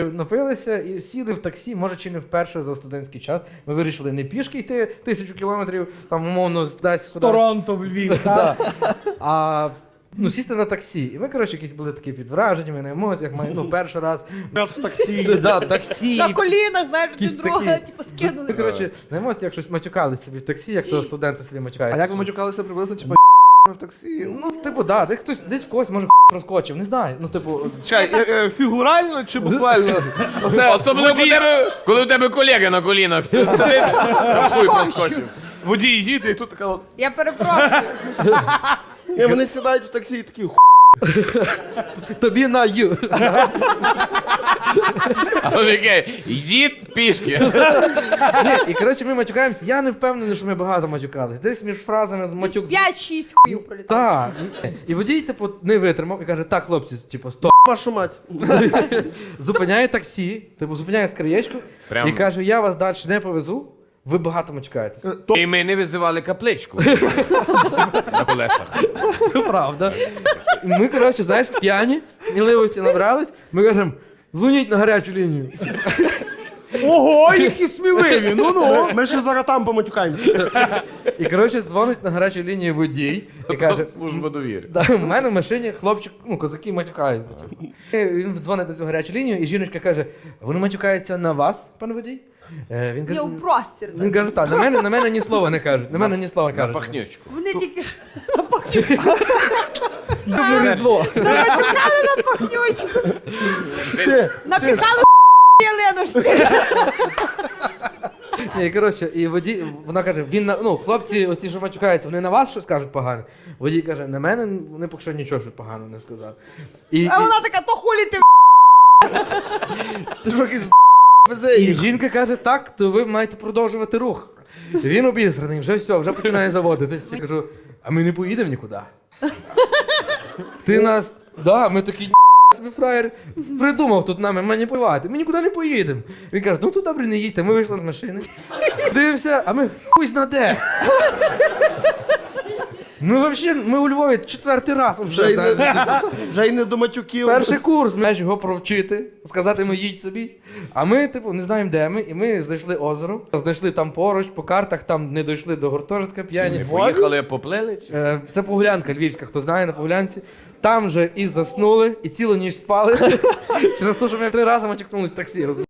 напилися і сіли в таксі, може чи не вперше за студентський час. Ми вирішили не пішки йти 1000 кілометрів, там умовно десь сюди. Торонто в Львів, так? А сісти на таксі. І ми, коротше, якісь були такі під враженнями, на емоціях, перший раз. Нас в таксі. Да, таксі. На колінах, знаєш, Якісь один друга, такі. типу, скинули. Ми, коротше, на емоціях щось матюкалися собі в таксі, як то студенти собі А матюкаються. як ви матюкалися приблизно, типу, в таксі? Да, десь в когось може проскочив, не знаю. Чай, фігурально чи буквально? Особливо коли у тебе колега на колінах сидить, хуй проскочив. Водій їде, і тут така от. Я перепрошую. І вони сідають в таксі і такі Тобі на ю. А він такий, йдіть пішки. Ні, і коротше ми матюкаємося. Я не впевнений, що ми багато матюкались. Десь між фразами з матюк. 5-6 хуїв пролітав. Так. І водій, типу, не витримав і каже: так, хлопці, типу, стоп. вашу мать. Зупиняє таксі, типу, зупиняє скриєчку Прям. і каже: я вас далі не повезу, ви багато матюкаєтесь. І ми не визивали капличку на колесах. Це правда. І ми, коротше, знаєш, п'яні, сміливості набрались, ми кажемо: дзвоніть на гарячу лінію. Ого, які сміливі, ну-ну. Ми ще зараз там поматюкаємося. І, коротше, дзвонить на гарячу лінію водій і каже: Служба довіри. да, у мене в машині хлопчик, козаки матюкають. Він дзвонить на цю гарячу лінію, і жіночка каже: вони матюкаються на вас, пане водій? Він Я каже, у простір. він каже: так, на мене ні слова не кажуть. На мене ні слова На кажуть. пахнючку. Вони тільки ж Добре Різдво. напихали на пахнючку. Напихали Єленушці. Ні, коротше, і водій, вона каже: хлопці, оці, що матюкаються, вони на вас щось кажуть погане? Водій каже: на мене вони поки що нічого що погано не сказали. А вона така: то хулі ти Ти що якийсь І жінка каже: так, то ви маєте продовжувати рух. Він обізраний, вже все, вже починає заводитись. Я кажу: а ми не поїдемо нікуди. Ти нас, ми такі собі фраєр придумав тут нами маніпулювати. Ми нікуди не поїдемо. Він каже: ну то добре, не їдьте. Ми вийшли з машини. Дивимося, а ми хуй зна де. Ми у Львові 4-й раз вже. Вже й не до матюків. Перший курс, маєш його провчити, сказати йому: їдь собі. А ми, не знаємо, де ми, і ми знайшли озеро, знайшли там поруч, по картах, там не дійшли до гуртожитка п'яні. Поїхали, поплили? Це Погулянка львівська, хто знає, на Погулянці. Там же і заснули, і цілу ніч спали. Через те, що ми 3 рази матюкнулись в таксі.